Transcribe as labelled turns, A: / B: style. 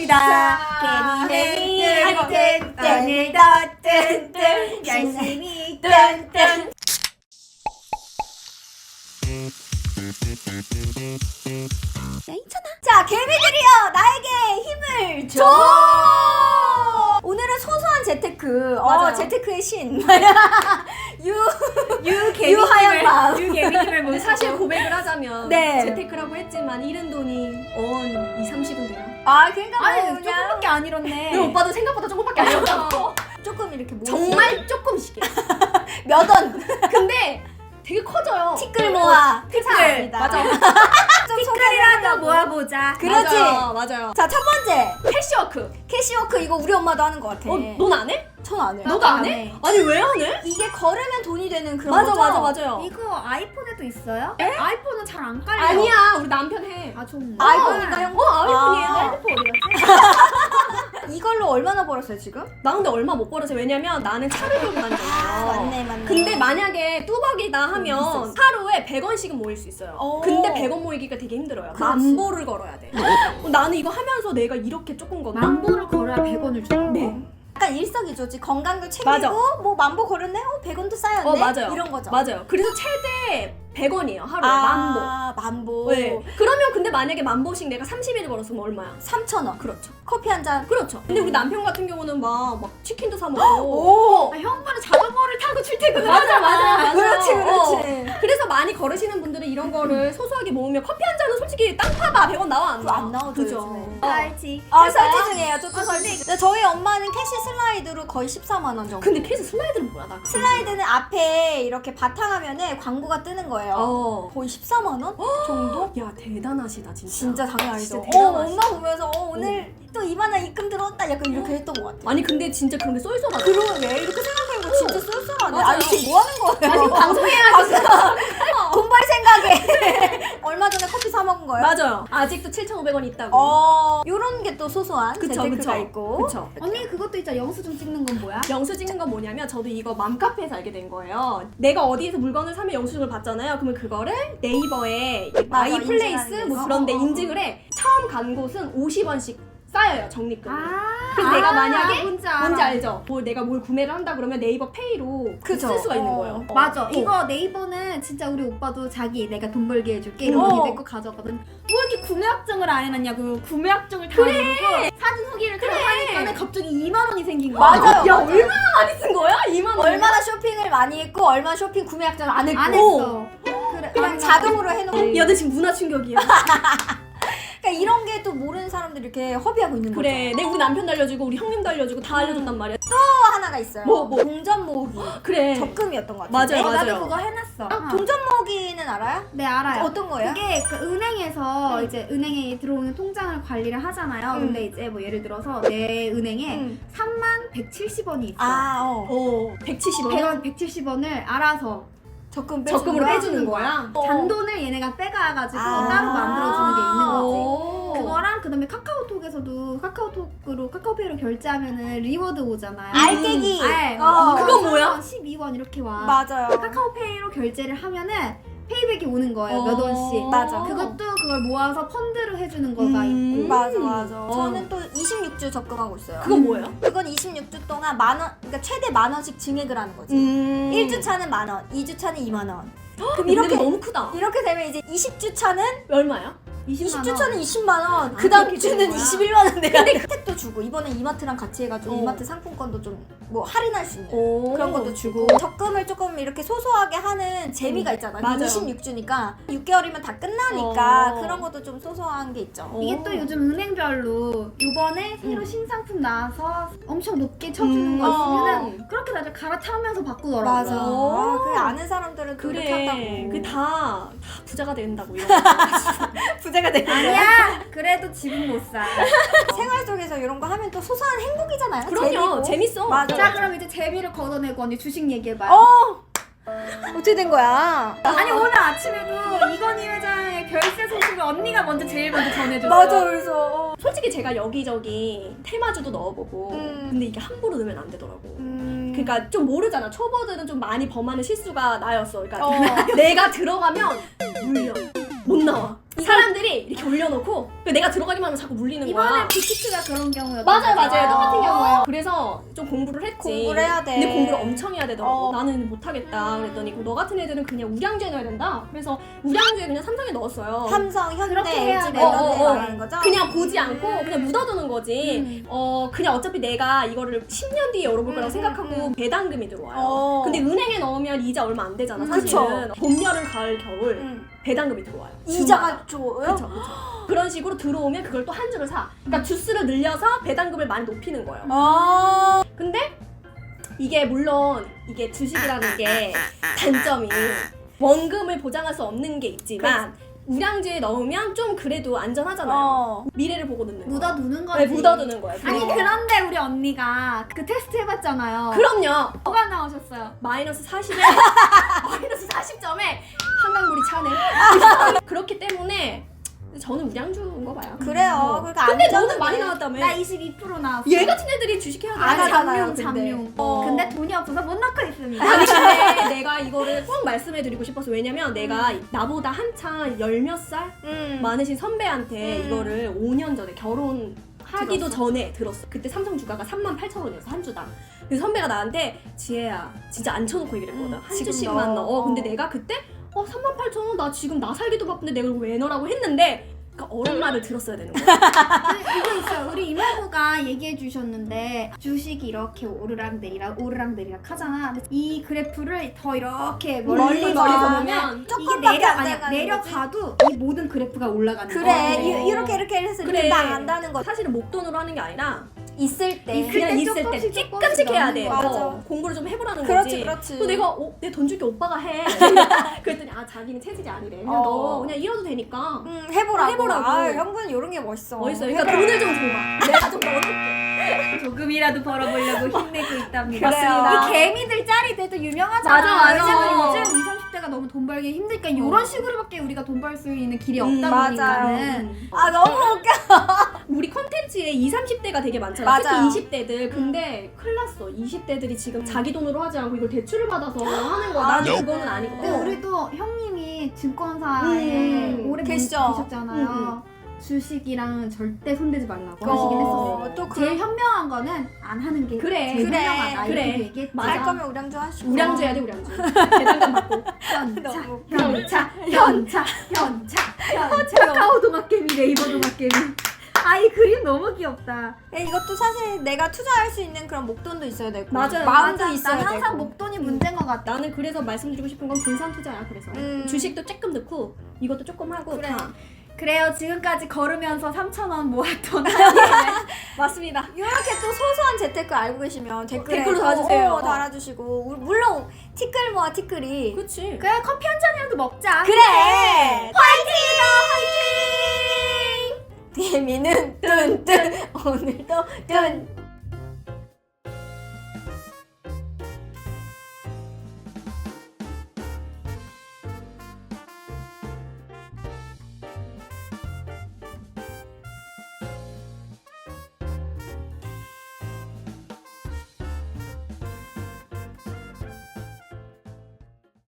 A: 합시다. 괜히 오늘도 뜬뜬 열심히 뜬뜬. 자, 개미들이여 나에게 힘을 줘. 오늘은 소소한 재테크. 재테크의 신. 유하연 마음.
B: 유개미님을 뭐 사실 고백을 하자면
A: 네.
B: 재테크라고 했지만 잃은 돈이 2-30은 돼요.
A: 그러니까
C: 아니
A: 뭐 그냥
C: 조금밖에 안 잃었네.
B: 근데 오빠도 생각보다 조금밖에 안 잃었잖아.
A: 조금 이렇게 모으시-
B: 정말 조금씩이야.
A: 몇 원.
B: 근데 되게 커져요.
A: 티끌 모아.
B: 티끌. 맞아.
A: 좀
C: 티끌이라도 모아보자.
A: 그렇지.
B: 맞아요.
A: 자, 첫 번째.
B: 캐시워크.
A: 캐시워크 이거 우리 엄마도 하는 것 같아.
B: 넌 안 해?
A: 전 안 해.
B: 너도 안 해? 아니 왜 안 해?
A: 이게 걸으면 돈이 되는 그런
B: 맞아
A: 거죠?
B: 맞아요.
C: 이거 아이폰에도 있어요? 아이폰은 잘 안 깔려.
B: 아니야 우리 남편 해.
C: 아 좋네.
A: 아이폰인가요?
B: 아이폰이에요.
C: 핸드폰 어디 갔지?
A: 이걸로 얼마나 벌었어요 지금?
B: 나 근데 얼마 못 벌었어. 왜냐면 나는 차를 끌고 다니잖아요.
A: 맞네.
B: 근데 만약에 뚜벅이다 하면 하루에 100원씩은 모일 수 있어요. 근데 100원 모이기가 되게 힘들어요.
A: 그렇지.
B: 만보를 걸어야 돼. 나는 이거 하면서 내가 이렇게 조금 걷나?
C: 만보를 걸어야 100원을 줘.
B: 네.
A: 약간 일석이조지. 건강도 챙기고
B: 맞아.
A: 뭐 만보 걸었네? 100원도 쌓였네?
B: 맞아요.
A: 이런 거죠.
B: 맞아요. 그래서 최대 100원이에요. 하루에 만보.
A: 만보.
B: 네. 그러면 근데 만약에 만보씩 내가 30일 벌었으면 얼마야?
A: 3,000원.
B: 그렇죠.
A: 커피 한 잔.
B: 그렇죠. 근데 우리 남편 같은 경우는 막 치킨도 사 먹고.
A: 오!
C: 형부는 자전거를 타고 출퇴근을
B: 맞아.
A: 그렇지.
B: 그래서 많이 걸으시는 분들은 이런 거를 소소하게 모으면 커피 한 잔은 솔직히 땅 파봐 100원 나와 안 나와?
A: 안 나오죠,
B: 그죠.
A: 요즘에.
C: 살지.
A: 설치 중이에요. 조금 설치. 근데 저희 엄마는 캐시 슬라이드로 거의 14만 원 정도.
B: 근데 캐시 슬라이드는 뭐야? 나
A: 슬라이드는 앞에 이렇게 바탕화면에 광고가 뜨는 거예요. 거의 14만 원 정도?
B: 야 대단하시다 진짜.
A: 진짜 장난 아니죠.
B: 진짜 대단하시다.
A: 엄마 보면서 오늘 또 2만 원 입금 들어왔다 약간 이렇게 했던 것 같아.
B: 아니 근데 진짜 그런 게 쏠쏠하다.
A: 그러네. 이렇게 생각해보면 진짜 쏠쏠하네.
B: 맞아요.
A: 아니 지금 뭐 하는 거예요?
B: 지금 방송해야지.
A: 돈 벌 생각에. 얼마 전에 커피 사 먹은 거예요?
B: 맞아요. 아직도 7,500원 있다고.
A: 요런 게 또 소소한 재테크가 있고.
B: 그쵸.
C: 언니 그것도 있잖아. 영수증 찍는 건 뭐야?
B: 영수 찍는 건 뭐냐면 저도 이거 맘카페에서 알게 된 거예요. 내가 어디에서 물건을 사면 영수증을 받잖아요. 그러면 그거를 네이버에
A: 맞아,
B: 마이플레이스
A: 인증하는
B: 뭐
A: 데서.
B: 그런 데 인증을 해. 처음 간 곳은 50원씩 쌓여요. 적립금이.
C: 아,
B: 그래서 내가 만약에
C: 뭔지
B: 알죠? 내가 뭘 구매를 한다 그러면 네이버 페이로
A: 그죠.
B: 쓸 수가 있는 거예요.
C: 맞아. 이거 네이버는 진짜 우리 오빠도 자기 내가 돈 벌게 해줄게 이러더니 내 거 가져가거든. 뭐 이렇게 구매약정을 안 해놨냐고. 구매약정을 다 해놓고 사진 후기를 하니까는 갑자기 2만 원이 생긴 거야.
A: 맞아요.
B: 야
A: 맞아요.
B: 얼마나 많이 쓴 거야? 2만 원.
A: 얼마나 쇼핑을 많이 했고 얼마나 쇼핑 구매 약정을 안 했고
C: 안 했어. 그래.
A: 그냥
C: 아니,
A: 자동으로 해놓고
B: 야, 나 지금 문화 충격이야.
A: 그러니까 이런 게 또 모르는 사람들이 이렇게 허비하고 있는
B: 그래, 내 우리 남편도 알려주고 우리 형님도 알려주고 다 알려줬단 말이야.
A: 거죠. 또 하나가 있어요.
B: 뭐?
A: 동전 모으기.
B: 그래.
A: 적금이었던 것 같아요.
B: 맞아요, 맞아요.
C: 나도 그거 해놨어.
A: 동전 모으기는 알아요?
C: 네 알아요.
A: 어떤 거예요?
C: 그게 그 은행에서 이제 은행에 들어오는 통장을 관리를 하잖아요. 근데 이제 뭐 예를 들어서 내 은행에 3170원이 있어.
B: 170원.
C: 170원을 알아서
B: 적금으로 빼주는 거야?
C: 잔돈을 얘네가 빼가가지고
A: 아.
C: 따로 만들어주는 게 있는 거지.
B: 오.
C: 그거랑 그다음에 카카오톡에서도 카카오페이로 결제하면은 리워드 오잖아요.
A: 알깨기.
B: 그건 뭐야?
C: 12원 이렇게 와.
A: 맞아요.
C: 카카오페이로 결제를 하면은 페이백이 오는 거예요. 몇 원씩.
A: 맞아.
C: 그것도 그걸 모아서 펀드를 해주는 거가 있고.
A: 맞아. 저는 또 26주 적금하고 있어요.
B: 그건 뭐예요?
A: 그건 26주 동안 그러니까 최대 10,000원씩 증액을 하는 거지. 1주 차는 10,000원, 2주 차는 2만 원. 그럼 이렇게
B: 너무 크다.
A: 이렇게 되면 이제 20주 차는
B: 얼마야?
A: 20주 차는 20만 원, 그 다음
B: 그렇게
A: 주는
B: 되는 거야?
A: 21만 원 내야 돼. 혜택도 주고 이번에 이마트랑 같이 해가지고 이마트 상품권도 좀 뭐 할인할 수 있는 그런 것도 주고 적금을 조금 이렇게 소소하게 하는 재미가 있잖아.
B: 맞아요.
A: 26주니까 6개월이면 다 끝나니까 그런 것도 좀 소소한 게 있죠.
C: 이게 또 요즘 은행별로 요번에 새로 신상품 나와서 엄청 높게 쳐주는 거 있으면은 그렇게 다들 갈아타면서 바꾸더라고요.
A: 맞아. 그 아는 사람들은 그렇게 한다고.
B: 그래. 다 부자가 된다고. 이런
A: 부자가 되는 거야.
C: 아니야! 그래도 집은 못 사.
A: 생활 속에서 이런 거 하면 또 소소한 행복이잖아요.
B: 그럼요.
A: 재밌고.
B: 재밌어.
A: 맞아.
C: 자, 그럼 이제 재미를 걷어내고 언니 주식 얘기해봐요.
A: 어떻게 된 거야?
C: 아니 오늘 아침에도 이건희 회장의 별세 소식을 언니가 제일 먼저 전해줬어.
A: 맞아. 그래서
B: 솔직히 제가 여기저기 테마주도 넣어보고 근데 이게 함부로 넣으면 안 되더라고. 그러니까 좀 모르잖아. 초보들은 좀 많이 범하는 실수가 나였어. 그러니까 내가 들어가면 물려. 못 나와. 사람들이 이렇게 올려놓고 내가 들어가기만 하면 자꾸 물리는 거야.
C: 이번에 빅히트가 그런 경우였던
B: 맞아요,
C: 거죠.
B: 맞아요. 똑같은 경우예요. 그래서 좀 공부를 했지.
A: 공부를 해야 돼.
B: 근데 공부를 엄청 해야 되더라고.
A: 어.
B: 나는 못하겠다. 그랬더니 너 같은 애들은 그냥 우량주에 넣어야 된다. 그래서 우량주에 그냥 삼성에 넣었어요.
A: 삼성,
C: 그렇게
A: 현대,
C: 해야
A: LG
C: 돼.
A: 멜로디 말하는 거죠?
B: 그냥 보지 않고 그냥 묻어두는 거지. 그냥 어차피 내가 이거를 10년 뒤에 열어볼 거라고 생각하고 배당금이 들어와요. 근데 은행에 넣으면 이자 얼마 안 되잖아, 사실은. 봄, 여름, 가을, 겨울 배당금이 들어와요.
A: 이자가 좋아요?
B: 그쵸. 그런 식으로 들어오면 그걸 또 한 주를 사. 그러니까 주스를 늘려서 배당금을 많이 높이는 거예요. 근데 이게 물론 이게 주식이라는 게 단점이 원금을 보장할 수 없는 게 있지만 우량주에 넣으면 좀 그래도 안전하잖아요. 미래를 보고 넣는 거예요.
C: 묻어두는 거지.
B: 네, 묻어두는 거예요.
C: 아니
B: 그거.
C: 그런데 우리 언니가 그 테스트 해봤잖아요.
B: 그럼요.
C: 뭐가 나오셨어요?
B: 마이너스 40에 마이너스 40점에 한강물이 차네. 그렇기 때문에 저는 우량주인 거 봐요.
A: 그래요. 그러니까
B: 근데
A: 안전은
B: 너는 많이
A: 왜-
B: 나왔다며.
C: 나 22% 나왔어.
B: 얘 같은 애들이 주식해야 돼.
A: 안 하잖아요,
C: 잠룡
A: 근데.
C: 잠룡.
A: 어.
C: 근데 돈이 없어서 못 넣고 있습니다.
B: 아니 근데 내가 이거를 꼭 말씀해드리고 싶어서 왜냐면 내가 나보다 한창 열 몇 살 많으신 선배한테 이거를 5년 전에 결혼하기도 전에 들었어. 그때 삼성 주가가 38,000원이었어 한 주당. 그래서 선배가 나한테 지혜야 진짜 안 쳐놓고 얘기를 했거든. 한
A: 지금
B: 주씩만
A: 넣어.
B: 넣어. 근데 내가 그때 38,000원 나 지금 나 살기도 바쁜데 내가 이걸 왜 넣으라고 했는데 그러니까 어른 말을 들었어야 되는 거야.
C: 이거 있어요. 우리 이모부가 얘기해 주셨는데 주식이 이렇게 오르락내리락 오르락내리락 하잖아. 근데 이 그래프를 더 이렇게
B: 멀리
C: 멀리서
B: 보면
C: 보면 이게
A: 조금밖에 안
C: 아니야
A: 돼가는
C: 내려가도 이 모든 그래프가 올라가는
A: 그래
C: 거야.
A: 이렇게 해서
B: 그래.
A: 이렇게 나간다는 거
B: 사실은 목돈으로 하는 게 아니라
A: 있을 때
C: 있을
B: 그냥
C: 때
B: 있을 때
C: 조금씩
B: 찌끔씩 해야 돼.
A: 맞아.
B: 공부를 좀 해보라는
A: 그렇지,
B: 거지.
A: 그렇지.
B: 또 내가 내 돈 줄게 오빠가 해. 그랬더니 자기는 체질이 아니래. 그냥 너 그냥 이러도 되니까.
A: 해보라고.
B: 해보라고.
A: 형부는 이런 게 멋있어.
B: 멋있어. 그러니까 돈을 좀 줘봐. 내가 좀 넣어줄게.
C: 조금이라도 벌어보려고 힘내고 있답니다.
A: 맞습니다.
C: 이 개미들 짤이 돼도 유명하잖아.
B: 맞아.
C: 왜냐면 요즘 20, 30대가 너무 돈 벌기 힘드니까 이런 식으로밖에 우리가 돈 벌 수 있는 길이 없다
A: 맞아요.
C: 보니까는
A: 너무 웃겨.
B: 우리 컨텐츠에 20, 30대가 되게 많잖아.
A: 맞아요.
B: 특히 20대들. 근데 큰일 났어. 20대들이 지금 자기 돈으로 하지 않고 이걸 대출을 받아서 하는 거야. 나는 그거는 아니거든.
C: 근데 우리도 형님이 증권사에 오래
A: 계시죠?
C: 계셨잖아요. 주식이랑 절대 손대지 말라고
A: 어,
C: 하시긴 했었어요.
A: 또
C: 제일 현명한 거는 안 하는 게
B: 그래.
C: 제일
A: 그래.
C: 현명하다.
B: 그래.
C: 이렇게 얘기했지.
B: 맞아.
A: 할 거면 우량주 하시고.
B: 우량주 해야 돼, 우량주. 배당금 받고.
C: 현차. 카카오 동학개미, 네이버 동학개미. 이 그림 너무 귀엽다.
A: 이것도 사실 내가 투자할 수 있는 그런 목돈도 있어야 되고
B: 맞아요.
A: 마음도
C: 맞아.
A: 있어야
C: 난 항상
A: 되고.
C: 목돈이 문제인 것 같다.
B: 나는 그래서 말씀드리고 싶은 건 분산 투자야. 그래서 주식도 조금 넣고 이것도 조금 하고
A: 그래.
B: 다.
C: 그래요. 지금까지 걸으면서 3,000원 모았던
B: 맞습니다.
A: 이렇게 또 소소한 재테크 알고 계시면
B: 댓글로 달아주세요.
A: 달아주시고 물론 티끌 모아 티끌이
B: 그치.
C: 그래 커피 한 잔이라도 먹자.
A: 그래 화이팅이다 화이팅 개미는 뚠뚠 오늘도 뚠뚠